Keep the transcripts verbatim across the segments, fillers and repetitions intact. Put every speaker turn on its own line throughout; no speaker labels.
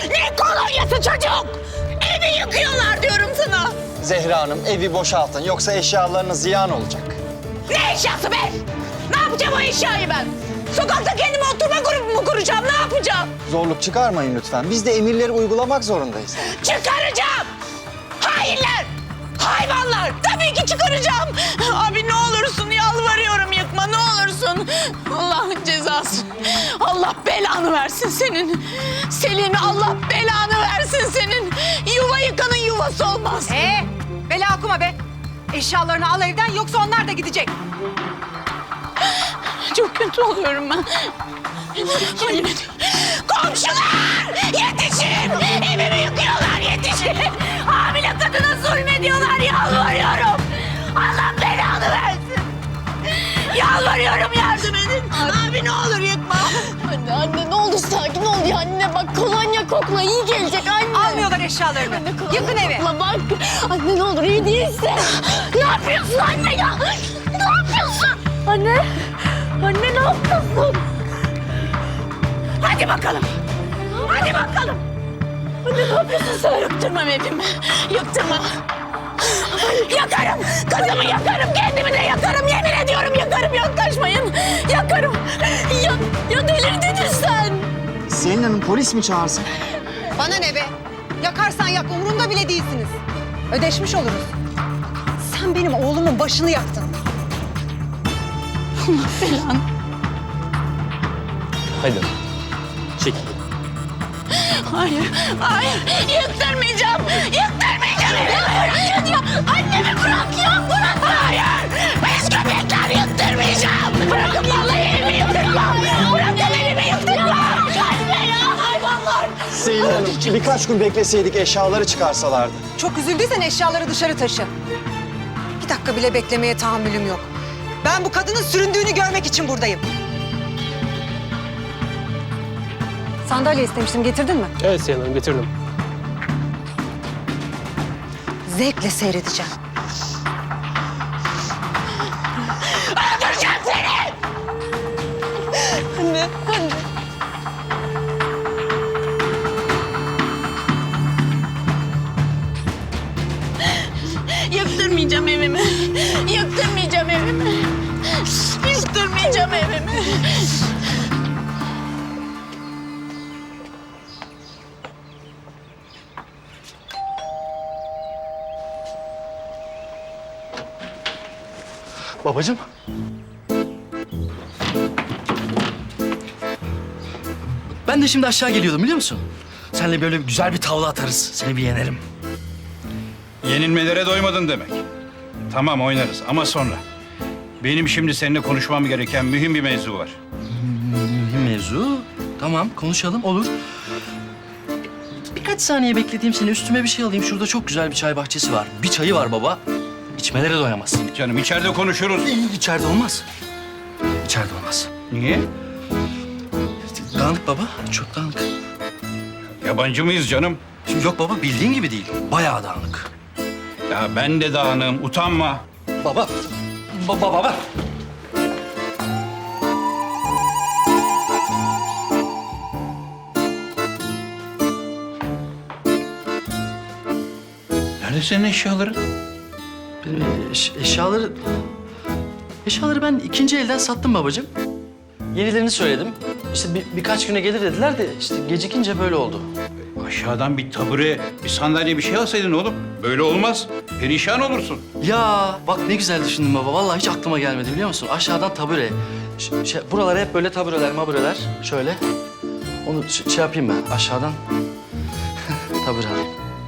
Ne kolonyası çocuk? Evi yıkıyorlar diyorum sana.
Zehra Hanım, evi boşaltın yoksa eşyalarınız ziyan olacak.
Ne eşyası be? Ne yapacağım o eşyayı ben? Sokakta kendime oturma grubu mu kuracağım? Ne yapacağım?
Zorluk çıkarmayın lütfen. Biz de emirleri uygulamak zorundayız.
Çıkaracağım! Hainler! Hayvanlar! Tabii ki çıkaracağım! Abi ne olursun yalvarıyorum yıkma ne olursun. Allah'ın cezası. Allah belanı versin senin. Selin Allah belanı versin senin. Yuva yıkanın yuvası olmaz.
Ee, bela okuma be. Eşyalarını al evden yoksa onlar da gidecek.
Çok kötü oluyorum ben. Yemin ediyorum. Komşular! Yetişin! Evimi yıkıyorlar yetişin! Hamile kadına zulmediyorlar yalvarıyorum. Allah belanı versin. Yalvarıyorum yardım edin. Abi ne olur yıkma.
Anne anne ne olur sakin ol ya anne bak kolonya kokla iyi gelecek anne.
Almıyorlar eşyalarını.
Anne, kolonya
Yıkın evi.
kokla bak. Anne ne olur iyi değilsin.
Ne yapıyorsun anne ya? Ne yapıyorsun?
Anne. Anne ne yapıyorsun?
Hadi bakalım. Hadi bakalım.
Anne ne yapıyorsun sen?
Yıktırmam evimi. Yıktırmam. Yakarım. Kızımı yakarım. Kendimi de yakarım. Yemin ediyorum yakarım. Yaklaşmayın. Yakarım.
Ya, ya delirdin sen.
Selin Hanım polis mi çağırsın?
Bana ne be? Yakarsan yak umurumda bile değilsiniz. Ödeşmiş oluruz. Sen benim oğlumun başını yaktın.
Allah belanı.
Haydi. Çekil.
Hayır. Hayır. Yıktırmayacağım. Yıktırmayacağım evimi. Ya, annemi bırak ya. Bırak. Hayır. Biz köpekler yıktırmayacağım. Bırakın vallahi evimi yıktırmam. Bırakın evimi yıktırmam. Anne ya hayvanlar.
Selin Hanım, birkaç gün bekleseydik eşyaları çıkarsalardı.
Çok üzüldüysen eşyaları dışarı taşı. Bir dakika bile beklemeye tahammülüm yok. Ben bu kadının süründüğünü görmek için buradayım. Sandalye istemiştim, getirdin mi?
Evet Sayın Hanım, getirdim.
Zevkle seyredeceğim.
Öldüreceğim seni.
Anne anne.
Yıktırmayacağım evimi. Yıktırmayacağım evimi. Yıktırmayacağım evimi.
Babacığım. Ben de şimdi aşağı geliyordum biliyor musun? Seninle böyle güzel bir tavla atarız. Seni bir yenerim.
Yenilmelere doymadın demek. Tamam oynarız ama sonra. Benim şimdi seninle konuşmam gereken mühim bir mevzu var.
Mühim mevzu. Tamam konuşalım olur. Birkaç saniye beklediğim seni üstüme bir şey alayım. Şurada çok güzel bir çay bahçesi var. Bir çayı var baba. İçmelere doyamazsın.
Canım içeride konuşuruz.
İçeride olmaz. İçeride olmaz.
Niye?
Dağınık baba. Çok dağınık.
Yabancı mıyız canım?
Şimdi yok baba bildiğin gibi değil. Bayağı dağınık.
Ya ben de dağınığım, utanma.
Baba. Baba baba.
Nerede senin eşyaların?
Benim eş- eşyaları... Eşyaları ben ikinci elden sattım babacığım. Yenilerini söyledim. İşte bir, birkaç güne gelir dediler de işte gecikince böyle oldu.
Aşağıdan bir tabure, bir sandalye bir şey alsaydın oğlum. Böyle olmaz. Perişan olursun.
Ya bak ne güzel düşündün baba. Vallahi hiç aklıma gelmedi biliyor musun? Aşağıdan tabure. Ş- şey, buralara hep böyle tabureler mabureler. Şöyle. Onu ş- şey yapayım ben aşağıdan. Tabure alayım.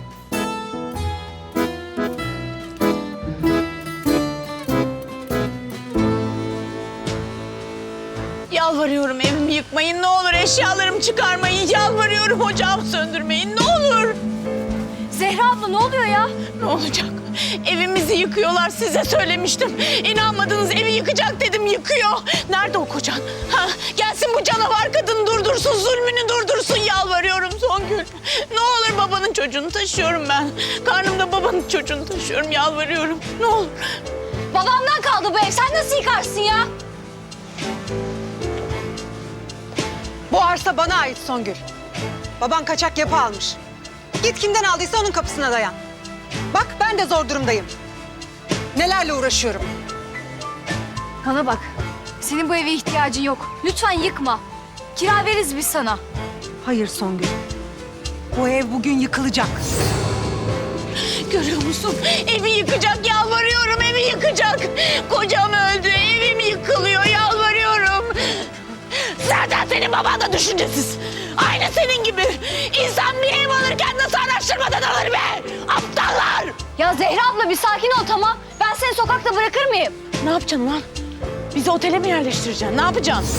Yalvarıyorum evimi yıkmayın ne olur. Eşyalarımı çıkarmayın. Yalvarıyorum ocağımı söndürmeyin ne olur.
Zehra abla ne oluyor ya?
Ne olacak? Evimizi yıkıyorlar size söylemiştim. İnanmadınız evi yıkacak dedim yıkıyor. Nerede o kocan? Ha, gelsin bu canavar kadın durdursun zulmünü durdursun yalvarıyorum Songül. Ne olur babanın çocuğunu taşıyorum ben. Karnımda babanın çocuğunu taşıyorum yalvarıyorum. Ne olur.
Babamdan kaldı bu ev sen nasıl yıkarsın ya?
Bu arsa bana ait Songül. Baban kaçak yapı almış. Git kimden aldıysa onun kapısına dayan. Bak ben de zor durumdayım. Nelerle uğraşıyorum.
Bana bak. Senin bu eve ihtiyacın yok. Lütfen yıkma. Kira veririz biz sana.
Hayır Songül. Bu ev bugün yıkılacak.
Görüyor musun? Evi yıkacak, yalvarıyorum, evi yıkacak. Kocam öldü, evim yıkılıyor, yalvarıyorum. Zaten senin baban da düşüncesiz. Aynı senin gibi. İnsan bir ev alırken nasıl araştırmadan alır be? Aptallar!
Ya Zehra abla bir sakin ol tamam. Ben seni sokakta bırakır mıyım?
Ne yapacaksın lan? Bizi otele mi yerleştireceksin? Ne yapacaksın?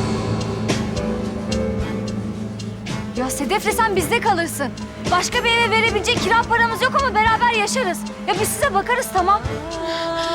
Ya Sedef'le sen bizde kalırsın. Başka bir eve verebilecek kira paramız yok ama beraber yaşarız. Ya biz size bakarız tamam.